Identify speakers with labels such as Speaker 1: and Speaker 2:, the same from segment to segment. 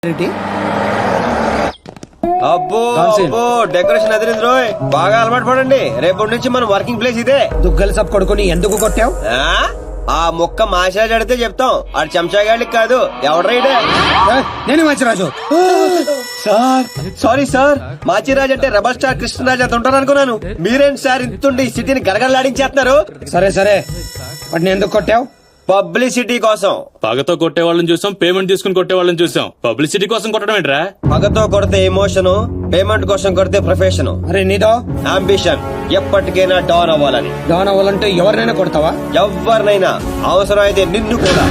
Speaker 1: అబ్బో అబ్బో డెకరేషన్ అదిరింది రోయ్. బాగా అలవాటు పడండి. రేపటి నుంచి మన వర్కింగ్ ప్లేస్ ఇదే.
Speaker 2: దుగ్గల సబ్ కొడుకుని ఎందుకు కొట్టావు?
Speaker 1: ఆ మొక్క మాషాజ్ అడితే చెప్తాం. ఆడు చెంచాగాడికి కాదు. ఎవడ్రైడే?
Speaker 2: నేను Manchiraju.
Speaker 1: Sir sorry sir. Machiraj అంటే రెబల్ స్టార్ కృష్ణరాజ్ అంత ఉంటారు అనుకున్నాను. మీరేంటి సార్ ఇంతుండి ఈ సిటీని గడగడలాడించేస్తున్నారు?
Speaker 2: సరే సరే, వాటిని ఎందుకు కొట్టావు?
Speaker 1: పబ్లిసిటీ కోసం.
Speaker 3: పగతో కొట్టే వాళ్ళని చూసాం, పేమెంట్ తీసుకుని కొట్టే వాళ్ళని చూసాం. పబ్లిసిటీ కోసం కొట్టడం ఏంట్రా?
Speaker 1: పగతో కొడితే ఎమోషన్, పేమెంట్ కోసం కొడితే ప్రొఫెషన్,
Speaker 2: అరే నీదో
Speaker 1: అంబిషన్. ఎప్పటికైనా డాన్ అవ్వాలని.
Speaker 2: డాన్ అవ్వాలంటే ఎవరినైనా కొడతావా?
Speaker 1: ఎవరినైనా, అవసరం అయితే నిన్ను కూడా.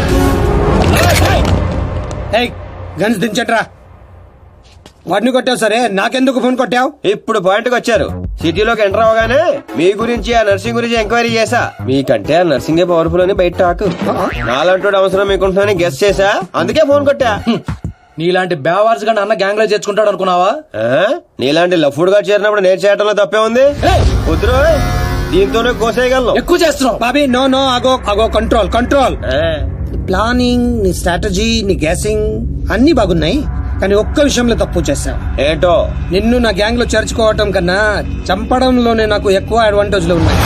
Speaker 2: ఏయ్ గన్స్ దించట్రా. వాడిని కొట్టావు సరే, నాకెందుకు ఫోన్ కొట్టావు?
Speaker 1: ఇప్పుడు పాయింట్ కి వచ్చారు. సిటీలోకి ఎంటర్ అవగానే మీ గురించి ఆ నర్సింగ్ గురించి ఎంక్వైరీ చేశా. మీకంటే ఆ నర్సింగే పవర్ఫుల్ అని బయట టాక్. నాలంటూ అవసరం మీకుంటుందని గెస్ చేశా, అందుకే ఫోన్ కొట్టా.
Speaker 4: నీలాంటి బేవార్స్ గా అన్న గ్యాంగ్ లో చేర్చుకుంటాడు అనుకున్నావా?
Speaker 1: నీలాంటి లఫ్డ్ గా చేరినప్పుడు నేను చేయటంలో తప్పే ఉంది. కుదురు, దీంతోనే కోసేయగలను.
Speaker 4: ఎక్కువ చేస్తున్నావు
Speaker 2: బాబీ. నో నో, అగో అగో, కంట్రోల్ కంట్రోల్. ప్లానింగ్, నీ స్ట్రాటజీ, నీ గ్యాసింగ్ అన్ని బాగున్నాయి, కానీ ఒక్క విషయంలో తప్పు చేశావు.
Speaker 1: ఏంటో?
Speaker 2: నిన్ను నా గ్యాంగ్ లో చేర్చుకోవటం కన్నా చంపడంలోనే నాకు ఎక్కువ అడ్వాంటేజ్లు ఉన్నాయి.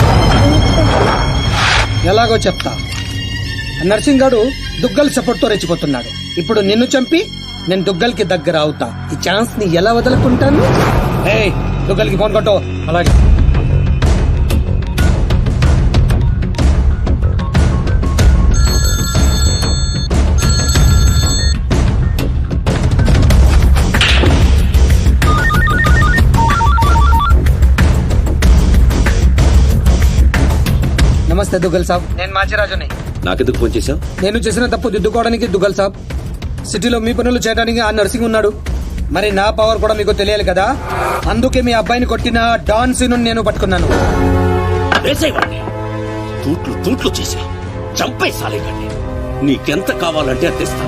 Speaker 2: ఎలాగో చెప్తా. నర్సింగ్ గాడు దుగ్గల్ సపోర్ట్ తో రెచ్చిపోతున్నాడు. ఇప్పుడు నిన్ను చంపి నేను దుగ్గల్ కి దగ్గర అవుతా. ఈ ఛాన్స్ ని ఎలా వదులుకుంటాను? ఏయ్ దుగ్గల్ కి ఫోన్ కొట్టు. అలాగే. నమస్తే దుగ్గల్ సాబ్, నేను మాచిరాజుని.
Speaker 3: నాకెందుకు ఫోన్ చేశావు?
Speaker 2: నేను చేసిన తప్పు దిద్దుకోవడానికి దుగ్గల్ సాబ్, సిటీలో మీ పనులు చేయడానికి ఆ నర్సింగ్ ఉన్నాడు. మరి నా పవర్ కూడా మీకు తెలియాలి కదా. అందుకే మీ అబ్బాయిని కొట్టిన డాన్ సీను నేను పట్టుకున్నాను.
Speaker 5: తూట్లు తూట్లు చేసి చంపేసాలేకండి. నీకెంత కావాలంటే అందిస్తా.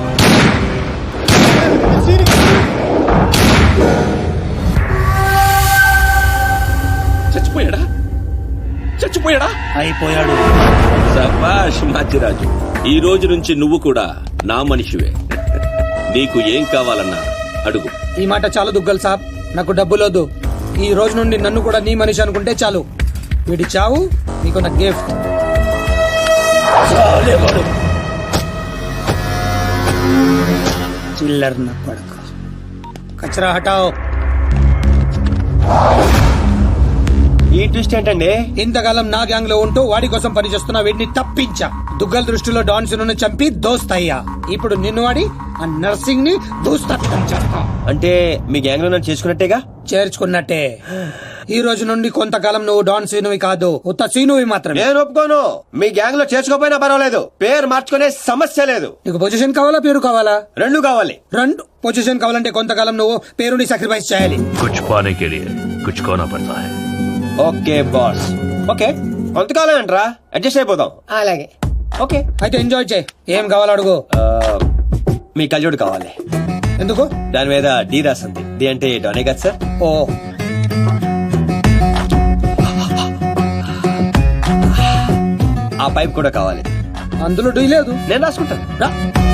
Speaker 5: చచ్చిపోయాడా? చచ్చిపోయాడా?
Speaker 2: అయిపోయాడు.
Speaker 5: శభాష్ మాచిరాజు. ఈ రోజు నుంచి నువ్వు కూడా నా మనిషివే. నీకు ఏం కావాలన్నా అడుగు.
Speaker 2: ఈ మాట చాలు దుగ్గల్ సాబ్, నాకు డబ్బులోదు. ఈ రోజు నుండి నన్ను కూడా నీ మనిషి అనుకుంటే చాలు. వీడి చావు నీకు నా గిఫ్ట్. చిల్లర్ నా పడక. కచరా హటాओ.
Speaker 1: ఈ ట్విస్ట్ ఏంటండి?
Speaker 2: ఇంతకాలం నా గ్యాంగ్ లో ఉంటూ వాడి కోసం పనిచేస్తున్న వీడిని తప్పించా. దుగ్గల్ దృష్టిలో డాన్ సిను చంపి దోస్త్ అయ్యా. ఇప్పుడు నిన్ను వాడి ఆ నర్సింగ్ ని దూస్తత్వం చేస్తా.
Speaker 1: అంటే మీ గ్యాంగ్ లో నన్ను చేసుకున్నట్టేగా?
Speaker 2: చేర్చుకున్నట్టే. ఈ రోజు నుండి కొంతకాలం నువ్వు డాన్ సీనువి కాదు, ఉత్త సీనువి మాత్రమే.
Speaker 1: నేను ఒప్పుకోను. మీ గ్యాంగ్ లో చేసుకోపోయినా పర్వాలేదు, పేరు మార్చుకునే సమస్య లేదు.
Speaker 2: నీకు పొజిషన్ కావాలా, పేరు కావాలా?
Speaker 1: రెండు కావాలి.
Speaker 2: రెండు. పొజిషన్ కావాలంటే కొంతకాలం నువ్వు పేరుని సాక్రిఫైస్ చేయాలి.
Speaker 6: कुछ पाने के लिए कुछ खोना पड़ता है.
Speaker 1: Okay boss. ఓకే, కొంతకాలం అంటరా, అడ్జస్ట్ అయిపోదాం.
Speaker 2: అలాగే.
Speaker 1: ఓకే,
Speaker 2: అయితే ఎంజాయ్ చేయి. ఏం కావాలో అడుగు.
Speaker 1: మీ కళ్ళజోడు కావాలి.
Speaker 2: ఎందుకు?
Speaker 1: దాని మీద డి రాసింది. డి అంటే డోనే కదా సార్?
Speaker 2: ఓ,
Speaker 1: ఆ పైప్ కూడా కావాలి.
Speaker 2: అందులో డీ లేదు.
Speaker 1: నేను రాసుకుంటాను. రా.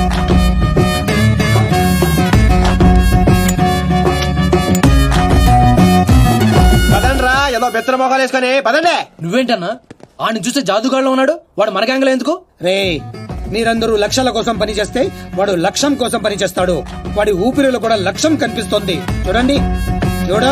Speaker 1: పదండి రా, ఏదో బెత్తర మొఖాలు వేసుకొని పదండి.
Speaker 4: నువ్వేంటన్నా ఆడిని చూస్తే జాదుగాడులో ఉన్నాడు. వాడు మన గ్యాంగ్ లో ఎందుకు?
Speaker 2: రే, మీరందరూ లక్ష్యాల కోసం పని చేస్తే వాడు లక్ష్యం కోసం పని చేస్తాడు. వాడి ఊపిరిలో కూడా లక్ష్యం కనిపిస్తోంది. చూడండి, చూడా.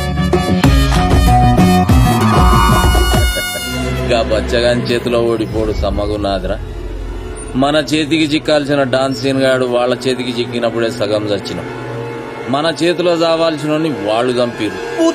Speaker 7: ఇంకా బచ్చగాని చేతిలో ఓడిపోడు సమ్మగున్నాదిరా. మన చేతికి చిక్కాల్సిన డాన్సీన్ గాడు వాళ్ళ చేతికి చిక్కినప్పుడే సగం చచ్చినాం. మన చేతిలో చావాల్సిన వాళ్ళు చంపిరు.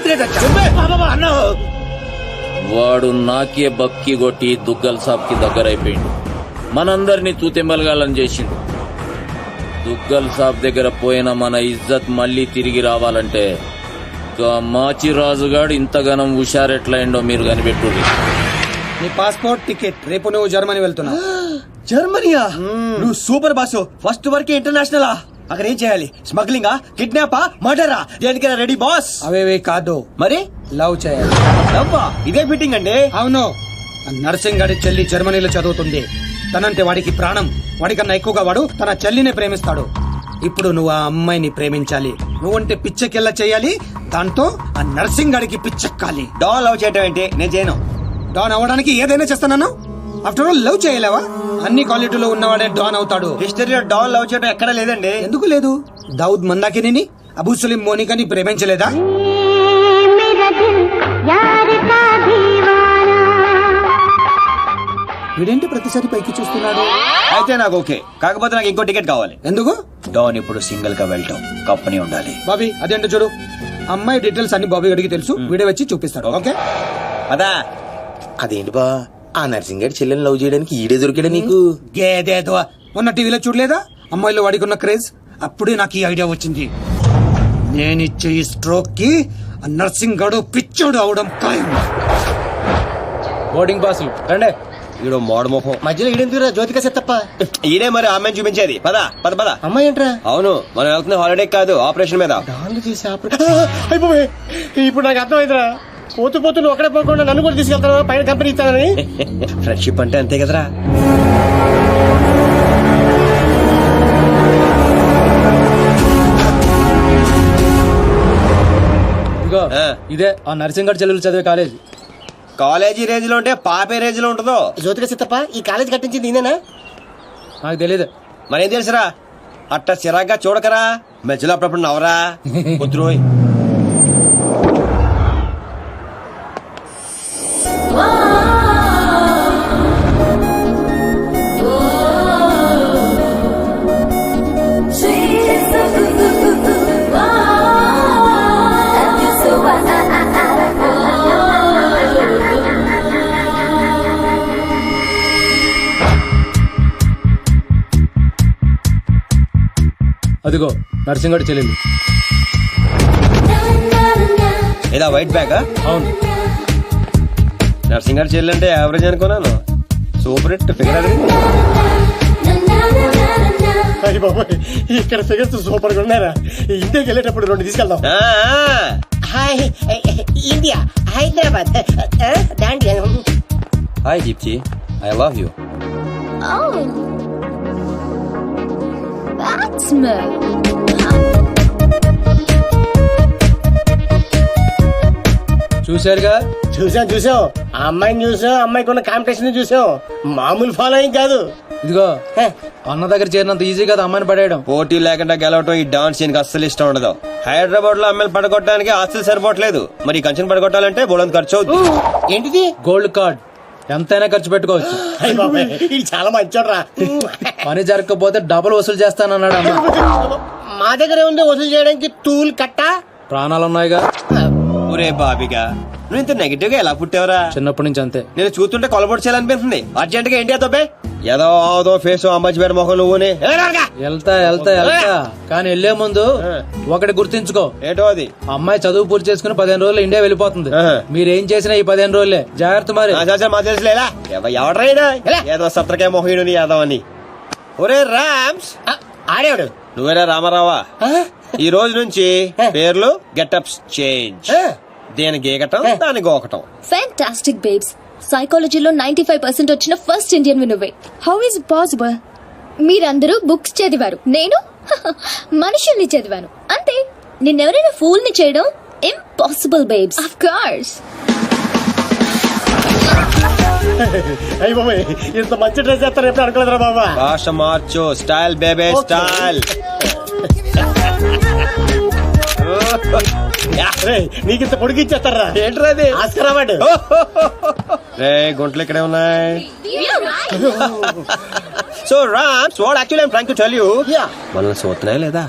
Speaker 7: వాడు నాకే బక్కి కొట్టి దుగ్గల్ సాబ్ కి దగ్గరైపోయిండు. మనందరినీ తూతెంబలగాలని చేసిండు. దుగ్గల్ సాబ్ దగ్గర పోయిన మన ఇజ్జత్ మళ్ళీ తిరిగి రావాలంటే మాచిరాజుగాడు ఇంతగానం హుషారెట్లయిండో మీరు కనిపెట్టుర్రి.
Speaker 2: నీ పాస్పోర్ట్, టికెట్. రేపు నువ్వు జర్మనీ వెళ్తున్నావు.
Speaker 1: జర్మనీయా? నువ్వు సూపర్ బాసు. ఫస్ట్ వరకు ఇంటర్నేషనలా? అక్కడ ఏం చేయాలి? స్మగ్లింగా, కిడ్నాపా, మర్డరా? దేనికైనా రెడీ బాస్.
Speaker 2: అవేవి కాదు,
Speaker 1: మరి
Speaker 2: లవ్ చేయాలి.
Speaker 1: అబ్బా, ఇదే ఫిట్టింగ్ అండి.
Speaker 2: అవును. నర్సింగ్ గారి చెల్లి జర్మనీలో చదువుతుంది. తనంటే వాడికి ప్రాణం. వాడికన్నా ఎక్కువగా వాడు తన చెల్లినే ప్రేమిస్తాడు. ఇప్పుడు నువ్వు ఆ అమ్మాయిని ప్రేమించాలి. నువ్వంటే పిచ్చెకెళ్ళ చేయాలి, దాంతో ఆ నర్సింగ్ గాడికి పిచ్చెక్కాలి.
Speaker 1: డాన్ లవ్ చేయటం ఏంటి? నేను చేయను.
Speaker 2: డాన్ అవ్వడానికి ఏదైనా చేస్తాను. ఆఫ్టర్ ఆల్ లవ్ చేయలేవా? అన్ని క్వాలిటీలో ఉన్నవాడే డాన్ అవుతాడు.
Speaker 1: హిస్టరీలో డాన్ లవ్ చేయటం ఎక్కడా లేదండి.
Speaker 2: ఎందుకు లేదు? దావుద్ మందాకిని, అబూ సలీం మోనికాని ప్రేమించలేదా? వీడేంటి ప్రతిసారి పైకి చూస్తున్నాడు?
Speaker 1: అయితే నాకు ఓకే, కాకపోతే నాకు ఇంకో టికెట్ కావాలి.
Speaker 2: ఎందుకు?
Speaker 1: డాన్ ఇప్పుడు సింగిల్ గా వెళ్ళటం, కంపెనీ ఉండాలి.
Speaker 2: బాబీ అదేంటో చూడు. అమ్మాయి డీటెయిల్స్ అన్ని బాబీ గడికి తెలుసు. వీడే వచ్చి చూపిస్తాడు. ఓకే
Speaker 1: అదా?
Speaker 8: అదేంటి బా ఆ నర్సింగ్ గారి చెల్లెని లవ్ చేయడానికి ఈడే దొరికాడా నీకు?
Speaker 2: గేదేదో మొన్న టీవీలో చూడలేదా అమ్మాయిలో వాడికున్న క్రేజ్? అప్పుడే నాకు ఈ ఐడియా వచ్చింది. నేనిచ్చే ఈ స్ట్రోక్ కి ఆ నర్సింగ్ గడు పిచ్చోడు అవడం ఖాయం.
Speaker 4: బోర్డింగ్ పాసులు రండి.
Speaker 1: ఈడో మోడ మొహం.
Speaker 8: మధ్యలో ఈడెందుకురా జ్యోతిక సెత్తప్ప?
Speaker 1: ఈడే మరి అమ్మాయిని చూపించేది. పద పద పద.
Speaker 8: అమ్మాయి ఏంట్రా?
Speaker 1: అవును, మనం వెళ్తున్న హాలిడే కాదు, ఆపరేషన్ మీద.
Speaker 8: అయిపోయి ఇప్పుడు నాకు అర్థమైందిరా. పోతూ పోతూ నువ్వు ఒకడే పోకుండా నన్ను కూడా తీసుకెళ్తాను పైన కంపెనీ ఇస్తానని.
Speaker 1: ఫ్రెండ్షిప్ అంటే అంతే కదరా.
Speaker 4: ఇదిగో
Speaker 1: ఆ.
Speaker 4: ఇదే ఆ నర్సింగ్ గారు చెల్లెలు చదివే కాలేజ్.
Speaker 1: కాలేజీ రేంజ్ లో ఉంటే పాపే రేంజ్ లో ఉంటుందో.
Speaker 8: జ్యోతిక సెత్తప్ప ఈ కాలేజ్ కట్టించింది నేనా?
Speaker 4: నాకు తెలియదు.
Speaker 1: మరేం తెలుసురా? అట్ట చిరాగ్గా చూడకరా, మధ్యలో అప్పుడప్పుడు నవరా. కుదురోయ్.
Speaker 4: అదిగో నర్సింగ్ గారు చెల్లెలు.
Speaker 1: ఏదా వైట్ బ్యాగ్?
Speaker 4: అవును.
Speaker 1: నర్సింగ్ గారు చెల్లంటే యావరేజ్ అనుకున్నాను. సూపర్ హిట్ ఫిగర్ అది.
Speaker 8: ఇక్కడ ఫిగర్స్ సూపర్ గా ఉన్నారా? ఇండియాకి వెళ్ళేటప్పుడు 2 తీసుకెళ్దాం. Hi India, Hyderabad, Dandiya.
Speaker 1: Hi Deepti, I love you.
Speaker 9: Oh, that's me.
Speaker 4: చూశారుగా?
Speaker 8: చూసాం. ఆ అమ్మాయిని చూసాం, అమ్మాయికి ఉన్న కాంపిటీషన్ చూసాం. మామూలు ఫాలోయింగ్ కాదు.
Speaker 4: ఇదిగో అన్న దగ్గర చేరినంత ఈజీ కదా అమ్మాయిని పడేయడం.
Speaker 1: పోటీ లేకుండా గెలవటం ఈ డాన్స్ సీన్ కి అస్సలు ఇష్టం ఉండదు. హైదరాబాద్ లో అమ్మాయిలు పడగొట్టడానికి ఆస్తులు సరిపోవట్లేదు, మరి ఈ కంచెను పడగొట్టాలంటే బోలంత ఖర్చు అవుతుంది.
Speaker 8: ఏంటిది?
Speaker 4: గోల్డ్ కార్డ్ ఎంతైనా ఖర్చు పెట్టుకోవచ్చు.
Speaker 8: అయ్య బాబాయ్, ఇది చాలా మంచోడ్రా.
Speaker 4: పని జరగకపోతే డబుల్ వసూలు చేస్తానన్నాడు అన్న.
Speaker 8: మా దగ్గర ఉంది వసూలు చేయడానికి టూల్ కట్టా.
Speaker 4: ప్రాణాలు ఉన్నాయిగా.
Speaker 1: ఒరే బాబిగా, నువ్వు ఇంత నెగిటివ్ గా ఎలా పుట్టావురా?
Speaker 4: చిన్నప్పటి నుంచి అంతే.
Speaker 1: నేను చూస్తుంటే కొలబొట్టు చేయాలనిపిస్తుంది. అర్జెంట్ గా ఇండియా తప్పే ఏదో ఫేస్ అమ్మాయి పేరు మొహం నువ్వునే.
Speaker 4: వెళ్తా కానీ వెళ్లే ముందు ఒకటి గుర్తించుకో.
Speaker 1: ఏంటో అది?
Speaker 4: అమ్మాయి చదువు పూర్తి చేసుకుని 15 రోజులు ఇండియా వెళ్ళిపోతుంది. మీరేం చేసినా ఈ 15 రోజులే జాగ్రత్త. మరి
Speaker 1: మా తెలుసులేలా ఎవడ్రైనా ఏదో సత్రకాయ మొహీడు యాదవ్ అని. ఒరే రామ్స్,
Speaker 8: ఆడేవాడు
Speaker 1: నువ్వేరా రామారావా? ఈ రోజు నుంచి పేర్లు గెటప్స్ చేంజ్. దేని గీకటం, దాని గోకటం.
Speaker 9: Fantastic babes. సైకాలజీలో 95% వచ్చిన ఫస్ట్ ఇండియన్ నువ్వే. How is possible? మీరందరూ బుక్స్ చదివారు, నేను మనుషుల్ని చదివాను. అంతే. నిన్నెవరైనా ఫూల్ ని చేయడం ఇంపాసిబుల్ బేబ్స్. Of course.
Speaker 8: అయ్య బాబాయ్, ఇంత మంచి డ్రెస్ చేస్తారు ఎప్పుడు అనుకోలేదురా బాబా.
Speaker 1: భాష మార్చు, స్టైల్ బేబే స్టైల్.
Speaker 8: నీకు ఇంత పొడిగి ఇచ్చేస్తారా?
Speaker 1: ఏంట్రా అది?
Speaker 8: Oscar award.
Speaker 1: రే గుంటలు ఇక్కడే ఉన్నాయి. So Rams, what actually I'm trying to tell you, మనల్ని చూస్తున్నాయా లేదా?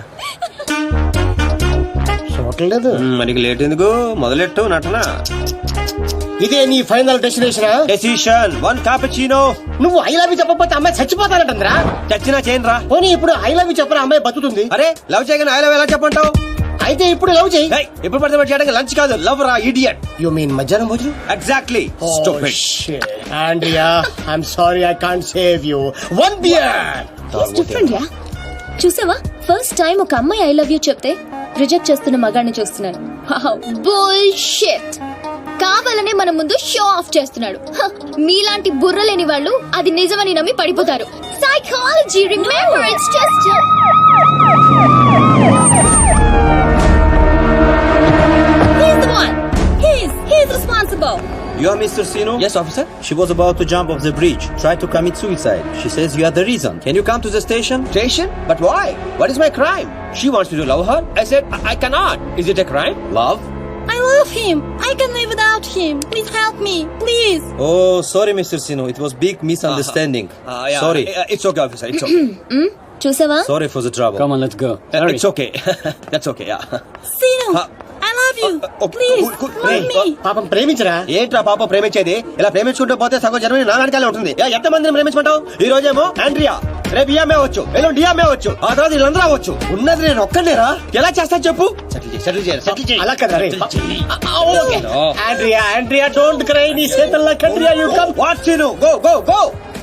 Speaker 8: చూడలేదు.
Speaker 1: మనకి లేట్ ఎందుకు, మొదలెట్టు నటన.
Speaker 8: ఇదే నీ ఫైనల్ డెస్టినేషన్?
Speaker 1: Decision 1 cappuccino.
Speaker 8: నువ్వు ఐ లవ్ యూ చెప్పకపోతే అమ్మాయి చచ్చిపోతానంటరా.
Speaker 1: చచ్చినా చేయను రా.
Speaker 8: పోనీ ఇప్పుడు ఐ లవ్ యూ చెప్పరా, అమ్మాయి బతుకుతుంది.
Speaker 1: అరే లవ్ చేయగానే ఐ లవ్ ఎలా చెప్పంటావు?
Speaker 8: అయితే ఇప్పుడు లవ్ చేయి.
Speaker 1: ఇప్పుడు పడితే చేయడానికి లంచ్ కాదు, లవ్ రా ఇడియట్.
Speaker 8: యు మీన్ మధ్యాహ్నం భోజనం?
Speaker 1: Exactly. Stupid.
Speaker 8: Andrea, I'm sorry, I can't save you. 1 beer.
Speaker 9: Different ya. చూసావా, ఫస్ట్ టైం ఒక అమ్మాయి ఐ లవ్ యూ చెప్తే రిజెక్ట్ చేస్తున్న మగాడిని చూస్తున్నాను. బుల్షిట్. కావాలనే మన ముందు షో ఆఫ్ చేస్తున్నాడు. మీలాంటి బుర్రలేని వాళ్ళు అది నిజమని నమ్మి పడిపోతారు. Psychology, remember, it's just He's the one. He's responsible.
Speaker 10: You are Mr. Sino?
Speaker 1: Yes, officer.
Speaker 10: She was about to jump off the bridge, tried to commit suicide. She says you are the reason. Can you come to the station?
Speaker 1: Station? But why? What is my crime? She wants me to love her. I said I cannot. Is it a crime?
Speaker 10: Love?
Speaker 9: I love him. I can live without him. Please help me. Please.
Speaker 10: Oh, sorry, Mr. Sino. It was big misunderstanding.
Speaker 1: Yeah.
Speaker 10: Sorry.
Speaker 1: It's okay, officer. It's okay.
Speaker 9: చూసావా?
Speaker 10: Sorry for the trouble.
Speaker 4: Come on, let's go.
Speaker 1: It's okay. That's okay. Yeah.
Speaker 9: Sino, I love you.
Speaker 1: Okay.
Speaker 9: Please, love me.
Speaker 8: పాపం ప్రేమించరా.
Speaker 1: ఏంట్రా పాప ప్రేమించేది? ఇలా ప్రేమించుకుంటూ పోతే సగం జన్మని నా వెనకాలే ఉంటుంది. ఎంత మందిని ప్రేమించమంటావు? ఈ రోజేమో ఆండ్రియా, రేపు ఈఎంఏ అవచ్చు, ఎల్లుండి డిఎంఏ అవచ్చు, ఆ తర్వాత వీళ్ళందరూ అవ్వచ్చు. ఉన్నది నేను ఒక్కనేరా? ఎలా చేస్తా చెప్పు? సెటిల్ చేయాలి.
Speaker 8: అలా కదా రే. ఓకే. Andrea don't cry. నీ చేతల్లో కండ్రియా you come.
Speaker 1: What Chinu? Go.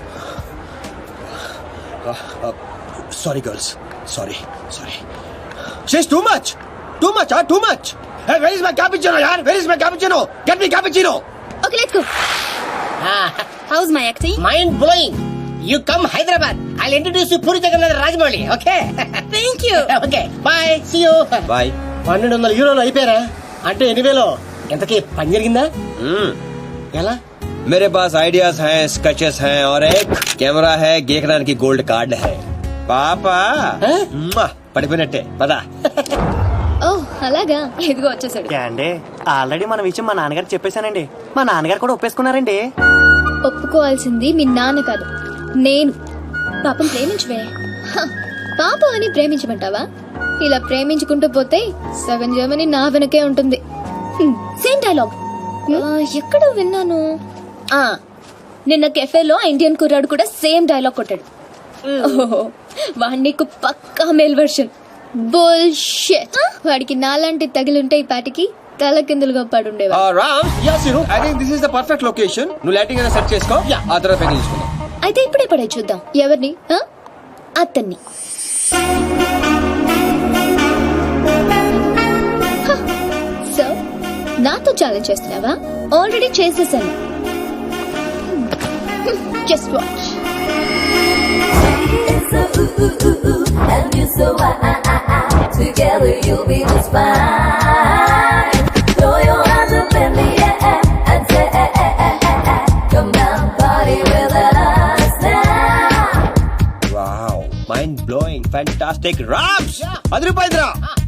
Speaker 1: Sorry, girls. Sorry. She's too much. Too much. Hey, where is my cappuccino, yaar? Where is my cappuccino? Get me cappuccino.
Speaker 9: Okay, let's go. How's my acting?
Speaker 8: Mind blowing. You come Hyderabad. I'll introduce you Puri Jagannath Rajamouli. Okay.
Speaker 9: Thank you.
Speaker 8: Okay. Bye. See you.
Speaker 1: Bye.
Speaker 8: 1200 యూరోలు అయిపోయారా? అంటే 8,000. ఎంతకి పని జరిగిందా? ఎలా?
Speaker 1: मेरे पास ideas हैं, sketches हैं और एक कैमरा है, गेकरान की गोल्ड कार्ड है. పాపా పడిపోయినట్టే పదా.
Speaker 9: ఓ అలాగా, ఇదిగో వచ్చేసాడు.
Speaker 8: అండి ఆల్రెడీ మన విషయం మా నాన్నగారు చెప్పేశానండి. మా నాన్నగారు కూడా ఒప్పేసుకున్నారండి.
Speaker 9: ఒప్పుకోవాల్సింది మీ నాన్న కాదు, నేను. పాపం ప్రేమించవే. పాపం అని ప్రేమించమంటావా? ఇలా ప్రేమించుకుంటూ పోతే సగం జర్మనీ నా వెనకే ఉంటుంది. సేమ్ డైలాగ్ ఎక్కడో విన్నాను. నిన్న కెఫేలో ఇండియన్ కుర్రాడు కూడా సేమ్ డైలాగ్ కొట్టాడు. వాడి నీకు పక్కా మేల్ వర్షన్. బుల్షిట్. వాడికి నాలాంటి తగిలుంటే ఈ పాటికి తల కిందులుగా పడుండేవా.
Speaker 1: Ram, I think this is the perfect location. నువ్వు లైటింగ్ అయినా సెట్ చేసుకో, ఆ తర్వాత పైకి తీసుకుందాం.
Speaker 9: అయితే ఇప్పుడే పడే చూద్దాం. ఎవరిని? అతన్ని. సో నాతో ఛాలెంజ్ చేస్తున్నావా? ఆల్రెడీ చేసేసాను. Just watch.
Speaker 11: And you so together you'll be just fine. Throw your hands up in the air and say, come down, party with us now.
Speaker 1: Wow, mind blowing, fantastic. Rams, 10 రూపాయలు.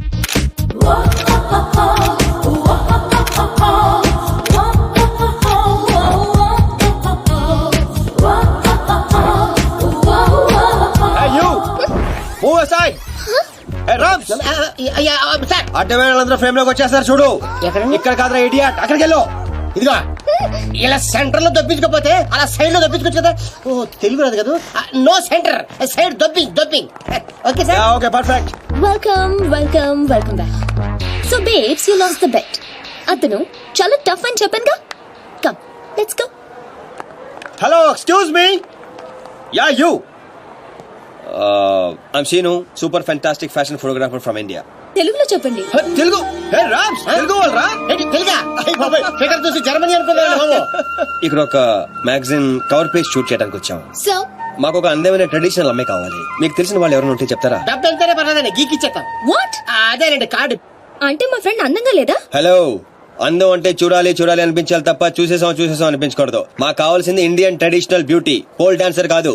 Speaker 1: అడ్డమేళ్ళందరూ frame లోకి వచ్చేస్తారు చూడు. ఇక్కడ కాదురా idiot, అక్కడికి వెళ్ళు.
Speaker 8: ఇదిగో ఇలా సెంటర్ లో దొప్పించకపోతే అలా సైడ్ లో దొప్పించుకోవచ్చు కదా. ఓ తెలుగు రాదు కదా. No centre, side dropping. Okay sir.
Speaker 1: Okay, perfect.
Speaker 9: Welcome back. So babes, you lost the bet. అతను చాలా టఫ్ అని చెప్పానుగా. Come, let's go.
Speaker 1: Hello, excuse me. Ya, you. I'm Seenu, super fantastic fashion photographer from India.
Speaker 9: తెలుగులో చెప్పండి.
Speaker 1: తెలుగు? రామ్స్, తెలుగు వాళ్ళరా?
Speaker 8: తెలుగా? Figure చూసి Germany అనుకున్నాను.
Speaker 1: ఇక్కడ ఒక మ్యాగజైన్ కవర్ పేజ్ షూట్ చేయడానికి వచ్చాం.
Speaker 9: సో
Speaker 1: మాకు ఒక అందమైన ట్రెడిషనల్ అమ్మాయి కావాలి. మీకు తెలిసిన వాళ్ళు ఎవరైనా ఉంటే చెప్తారా?
Speaker 8: డబ్బు ఎంతనే పర్లేదండి, గీకిచ్చేస్తాం.
Speaker 9: వాట్?
Speaker 8: అదేనండి కార్డు.
Speaker 9: అంటే మా ఫ్రెండ్ అందంగా లేదా?
Speaker 1: హలో, అందం అంటే చూడాలి అనిపించాలి తప్ప చూసేసాం అనిపించకూడదు. మాకు కావాల్సింది Indian traditional beauty, pole dancer కాదు.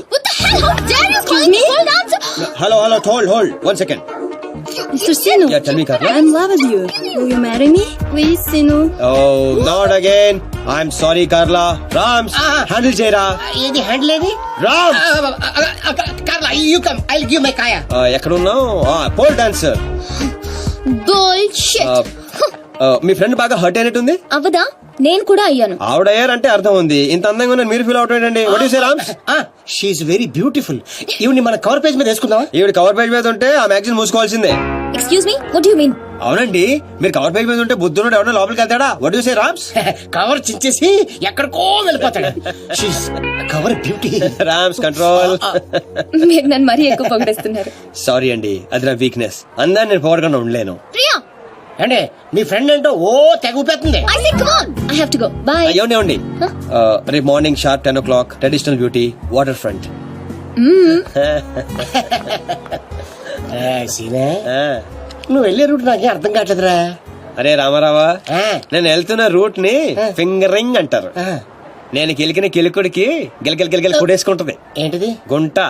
Speaker 1: Hello, hold 1 second.
Speaker 9: Mr. Sinu,
Speaker 1: Yeah, tell me, Carla.
Speaker 9: I'm in love with you. Will you marry me? Please, Sinu.
Speaker 1: Oh, not again. I'm sorry, Carla. Rams, handle చేయరా.
Speaker 8: ఏది handle ఏది?
Speaker 1: Rams.
Speaker 8: Carla, you come, I'll give my కాయా.
Speaker 1: ఎక్కడున్నావు? Pole dancer.
Speaker 9: Bullshit.
Speaker 1: మీ friend బాగా hurt అయినట్టుంది.
Speaker 9: అవదా? నేను కూడా అయ్యాను.
Speaker 1: ఆవిడయ్యారంటే అర్థం ఉంది. ఇంత అందంగా ఉన్న మీరు ఫీల్ అవుతాడండి. What you say Rams?
Speaker 8: She's very beautiful. ఈవిని మన కవర్ పేజ్ మీద వేసుకుందామా?
Speaker 1: ఈవిడ కవర్ పేజ్ మీద ఉంటే ఆ మ్యాగజైన్ మూసుకోవాల్సిందే.
Speaker 9: Excuse me, what do you mean?
Speaker 1: అవునండి, మీరు కవర్ పేజ్ మీద ఉంటే బుద్ధుడు ఎవరైనా లోపలికి వెళ్తాడా? What you say Rams?
Speaker 8: Cover చించేసి ఎక్కడికో వెళ్ళిపోతాడు. She's cover beauty.
Speaker 1: Rams control.
Speaker 9: మీరు నన్ను మరీ ఎక్కువ పొగిడేస్తున్నారు.
Speaker 1: సారీ అండి, అది నా వీక్నెస్. అందాన్ని నేను పొగడకుండా ఉండలేను.
Speaker 9: ప్రియా,
Speaker 8: అంటే మీ ఫ్రెండ్ ఏంటో ఓ తెగిపోతుంది.
Speaker 9: I say come on, I have to go. Bye.
Speaker 1: ఏమండి రేపు morning sharp 10 o'clock traditional beauty water front.
Speaker 8: సీనే
Speaker 1: ఆ.
Speaker 8: నువ్వు వెళ్ళే రూట్ నాకే అర్థం కావట్లేదురా.
Speaker 1: అరే రామారావా,
Speaker 8: ఆ,
Speaker 1: నేను వెళ్తున్న రూట్ ని ఫింగరింగ్ అంటారు.
Speaker 8: ఆ.
Speaker 1: నేను కిలికిన కిలుకుడికి గిలగిల గిలగిల కుడేసుకుంటది
Speaker 8: ఏంటిది?
Speaker 1: గుంట.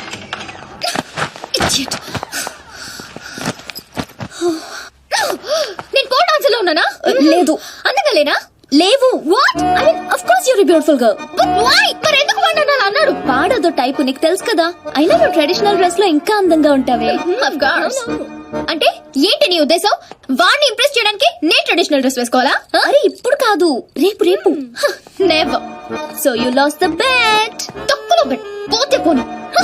Speaker 9: Idiot. నేను కోడ్ ఆన్సర్ లో ఉన్నానా? లేదు. అందగలేనా? లేవు. What? I mean of course you're beautiful girl. But why? మరి ఎందుకు వాడు అన్నాడు? పాడదో టైపు నీకు తెలుసు కదా. అయినా నువ్వు ట్రెడిషనల్ డ్రెస్ లో ఇంకా అందంగా ఉంటావే. Of course. అంటే ఏంటి నీ ఉద్దేశం? వాడిని ఇంప్రెస్ చేయడానికి నేను ట్రెడిషనల్ డ్రెస్ వేసుకోవాలా? అరే ఇప్పుడు కాదు, రేపు రేపు. Never. So you lost the bet. తక్కువ బెట్. పోతే పోనీ.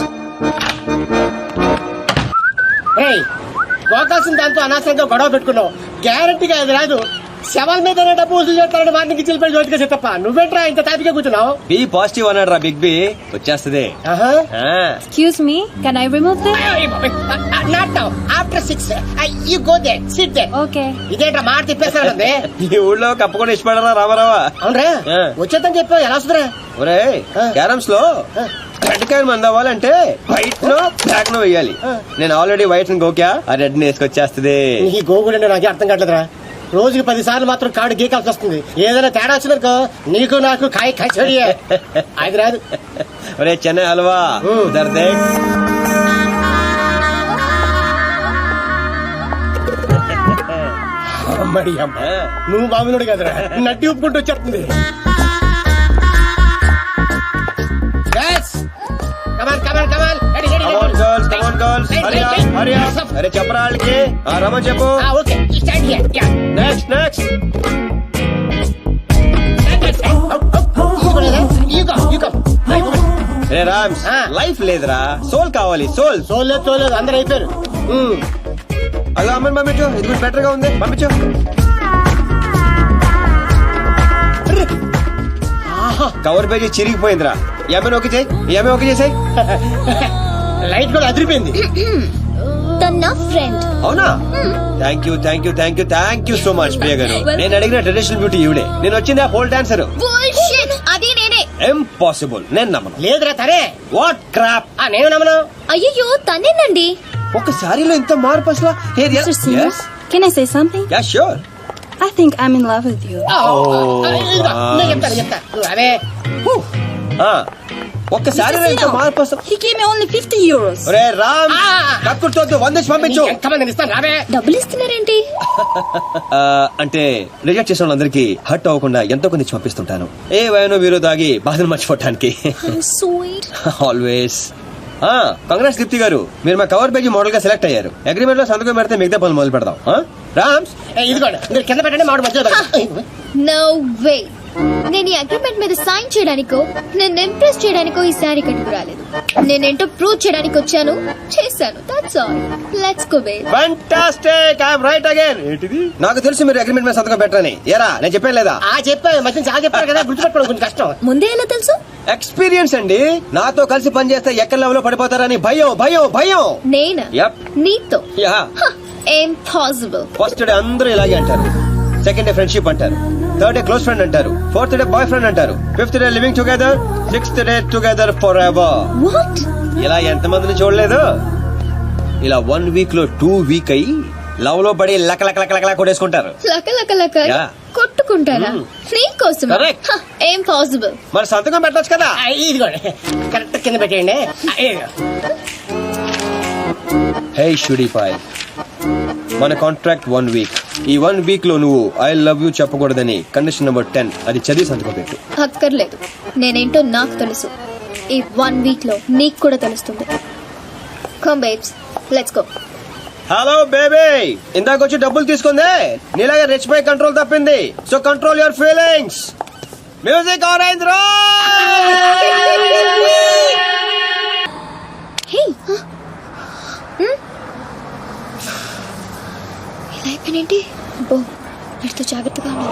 Speaker 8: ఏయ్, పోకాల్సిన దాంతో అనవసరంగా గొడవ పెట్టుకున్నావు. గ్యారంటీగా అది రాదు. శవాల మీద డబ్బు వసూలు చేస్తారని వాటిని చిల్లిపోయి జోటిగా తప్ప నువ్వేంట్రా ఇంత తాపిగా కూర్చున్నావు?
Speaker 1: బి పాజిటివ్ అన్నాడు రా బిగ్ బి. వచ్చేస్తది.
Speaker 8: ఆహా.
Speaker 1: ఆ.
Speaker 9: Excuse me, can I remove them?
Speaker 8: Not now. After 6. You go there. Sit there.
Speaker 9: Okay.
Speaker 8: ఇదేంట్రా మాట తిప్పేస్తానండి.
Speaker 1: ఈ ఊళ్ళో కప్పకుండా ఇష్టపడరా రామారావా.
Speaker 8: అవునరా?
Speaker 1: ఆ.
Speaker 8: వచ్చేద్దని చెప్పావు, ఎలా వస్తుందిరా?
Speaker 1: ఒరే క్యారమ్స్ లో రెడ్ కాయలు మంది అవ్వాలంటే వైట్ నో బ్లాక్ నో వేయాలి. నేను ఆల్రెడీ వైట్ గోకా, ఆ రెడ్ ని వేసుకొచ్చేస్తుంది.
Speaker 8: ఈ గోగుడు నాకే అర్థం కావట్లేదురా. రోజుకి 10 సార్లు మాత్రం కాడు గీకాల్సి వస్తుంది. ఏదైనా తేడా వచ్చిందనుకో నీకు నాకు కాయ కచోడియే. అది రాదు.
Speaker 1: ఒరే చెన్నై హల్వా ఉధర్ దేఖ్.
Speaker 8: అమ్మడి అమ్మ, నువ్వు బాగున్నాడు కదరా, నడ్డి ఉప్పుకుంటూ వచ్చేస్తుంది.
Speaker 1: Come on girls, come on girls. Hurry up, hurry up. అరే చెప్పరా వాళ్ళకి. రమన్ చెప్పు.
Speaker 8: Okay, start here.
Speaker 1: Next next. రే రామ్స్, లైఫ్ లేదురా, సోల్ కావాలి. సోల్.
Speaker 8: తోలేదు అందరు అయిపోయారు.
Speaker 1: అలా అమ్మని పంపించు, ఇది కూడా బెటర్ గా ఉంది, పంపించు. కవర్ పేజీ చిరిగిపోయిందిరా. ఈ అమ్మాయిని ఓకే చేయి, ఈ అమ్మాయి ఓకే చేసాయి.
Speaker 8: లైట్ కూడా అదిరిపోయింది.
Speaker 9: తన ఫ్రెండ్.
Speaker 1: అవునా? Thank you thank you thank you thank you so much Priya గారు. నేను అడిగిన ట్రెడిషనల్ బ్యూటీ ఈవిడే. నేను వచ్చింది ఆ పోల్ డాన్సర్.
Speaker 9: బుల్షిట్. అది నేనే.
Speaker 1: ఇంపాసిబుల్. నేను నమ్మను.
Speaker 8: లేదురా తనే.
Speaker 1: What crap.
Speaker 8: నేను నమ్మను.
Speaker 9: అయ్యో తనేనండి.
Speaker 1: ఒక సారీలో ఇంత మార్పు అసలు.
Speaker 9: Can I say something?
Speaker 1: Ya sure.
Speaker 9: I think I'm in love with you.
Speaker 8: నేను చెప్తా. అవే
Speaker 1: ఒక్క సారీలో ఇంత మార్పు అసలు.
Speaker 9: He gave me only 50 euros.
Speaker 1: ఒరే రామ్, కక్కుడుతో 100 పంపించు.
Speaker 8: ఎంతమంది ఇస్తాను రావే.
Speaker 9: డబ్బులు ఇస్తున్నారేంటి?
Speaker 1: అంటే రిజెక్ట్ చేసిన వాళ్ళందరికీ హర్ట్ అవ్వకుండా ఎంతో కొన్ని పంపిస్తుంటాను. ఏ వయనో వీరో దాగి బాధను మర్చిపోవటానికి.
Speaker 9: Sweet.
Speaker 1: ఆల్వేస్. కంగ్రాట్స్ దీప్తి గారు, మీరు మా కవర్ పేజీ మోడల్ గా సెలెక్ట్ అయ్యారు. అగ్రిమెంట్ లో సంతకం పెడితే మిగతా పనులు మొదలు పెడదాం. రామ్స్,
Speaker 8: ఇదిగోండి, మీరు కింద పెట్టండి, మామిడి మధ్యలో పెట్టండి.
Speaker 9: No way. నేను ఈ అగ్రిమెంట్ మీద సైన్ చేయడానికో నేను ఇంప్రెస్ చేయడానికో ఈ శారీ కట్టుకు రాలేదు. నేనేంటో ప్రూవ్ చేయడానికి వచ్చాను, చేశాను. That's all. Let's go baby.
Speaker 1: Fantastic. I am right again. ఏంటిది? నాకు తెలుసు మీరు అగ్రిమెంట్ మీద సంతకం పెట్టరని. ఏరా నేను చెప్పాను లేదా?
Speaker 8: చెప్పాను, మధ్య చాలా చెప్పారు కదా, గుర్తుపెట్టుకోవడం కొంచెం కష్టం.
Speaker 9: ముందే ఎలా తెలుసు?
Speaker 1: ఎక్స్పీరియన్స్ అండి. నాతో కలిసి పనిచేస్తే ఎక్కడ లెవెల్ లో పడిపోతారని భయం భయం భయం.
Speaker 9: నేనా?
Speaker 1: యప్.
Speaker 9: నీతో?
Speaker 1: యా.
Speaker 9: ఇంపాసిబుల్.
Speaker 1: ఫస్ట్ డే అందరూ ఇలాగే అంటారు. సెకండ్ డే ఫ్రెండ్షిప్ అంటారు. థర్డ్ డే క్లోజ్ ఫ్రెండ్ అంటారు. ఫోర్త్ డే బాయ్ ఫ్రెండ్ అంటారు. Fifth day living together. Sixth day together forever.
Speaker 9: What?
Speaker 1: ఇలా ఎంతమందిని చూడలేదు? ఇలా 1 వీక్ లో 2 వీక్ అయ్యి లవ్ లో పడి లక లక లక లక కొట్టేసుకుంటారు.
Speaker 9: లక లక లక
Speaker 1: Yeah.
Speaker 9: కొట్టుకుంటారా? నీకోసం.
Speaker 1: Correct.
Speaker 9: ఇంపాసిబుల్.
Speaker 1: మరి సంతకం పెట్టొచ్చు కదా.
Speaker 8: ఇదిగోండి, కరెక్ట్ కింద పెట్టేయండి.
Speaker 1: హే షుడీపాయ్, మన కాంట్రాక్ట్ 1 వీక్. ఈ 1 వీక్ లో నువ్వు ఐ లవ్ యూ చెప్పకూడదని కండిషన్ నెంబర్ 10 అది చదివి సంతకం పెట్టు.
Speaker 9: అక్కర్లేదు, నేనేంటో నాకు తెలుసు. ఈ 1 వీక్ లో నీకు కూడా తెలుస్తుంది. Come babes, let's go.
Speaker 1: Hello baby, ఇందాక వచ్చి డబ్బులు తీసుకుందే నీలాగా రెచ్చిపోయి కంట్రోల్ తప్పింది. So control your feelings. Music on అయింది రా.
Speaker 9: హే, ఇలా అయిపోయినేంటి? వీడితో జాగ్రత్తగా ఉండాలి.